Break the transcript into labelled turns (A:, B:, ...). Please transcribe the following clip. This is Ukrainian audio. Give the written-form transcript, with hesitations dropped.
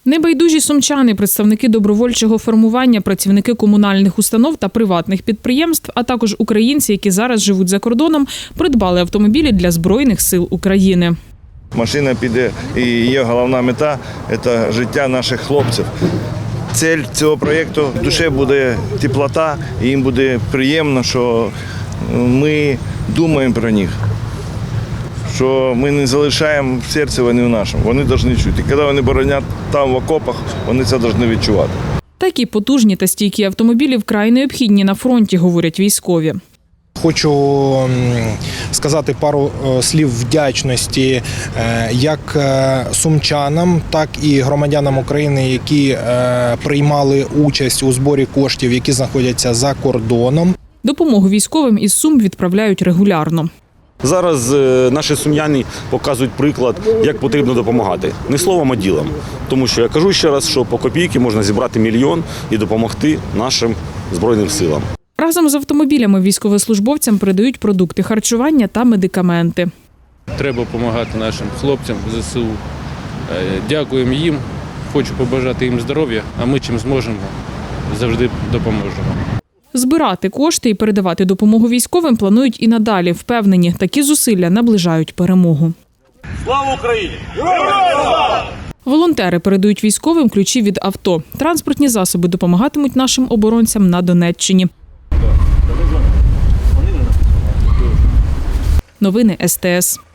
A: Небайдужі сумчани, представники добровольчого формування, працівники комунальних установ та приватних підприємств, а також українці, які зараз живуть за кордоном, придбали автомобілі для Збройних сил України.
B: Машина піде, і її головна мета – це життя наших хлопців. Цель цього проєкту – в душі буде теплота, і їм буде приємно, що ми думаємо про них. Що ми не залишаємо в серці вони в нашому. Вони повинні чути. Коли вони боронять там в окопах, вони це повинні відчувати.
A: Такі потужні та стійкі автомобілі вкрай необхідні на фронті, говорять військові.
C: Хочу сказати пару слів вдячності як сумчанам, так і громадянам України, які приймали участь у зборі коштів, які знаходяться за кордоном.
A: Допомогу військовим із Сум відправляють регулярно.
D: Зараз наші сум'яни показують приклад, як потрібно допомагати. Не словом, а ділом. Тому що я кажу ще раз, що по копійки можна зібрати мільйон і допомогти нашим Збройним силам.
A: Разом з автомобілями військовослужбовцям передають продукти харчування та медикаменти.
E: Треба допомагати нашим хлопцям ЗСУ. Дякуємо їм, хочу побажати їм здоров'я, а ми чим зможемо, завжди допоможемо.
A: Збирати кошти і передавати допомогу військовим планують і надалі. Впевнені, такі зусилля наближають перемогу.
F: Слава Україні!
A: Волонтери передають військовим ключі від авто. Транспортні засоби допомагатимуть нашим оборонцям на Донеччині. Новини СТС.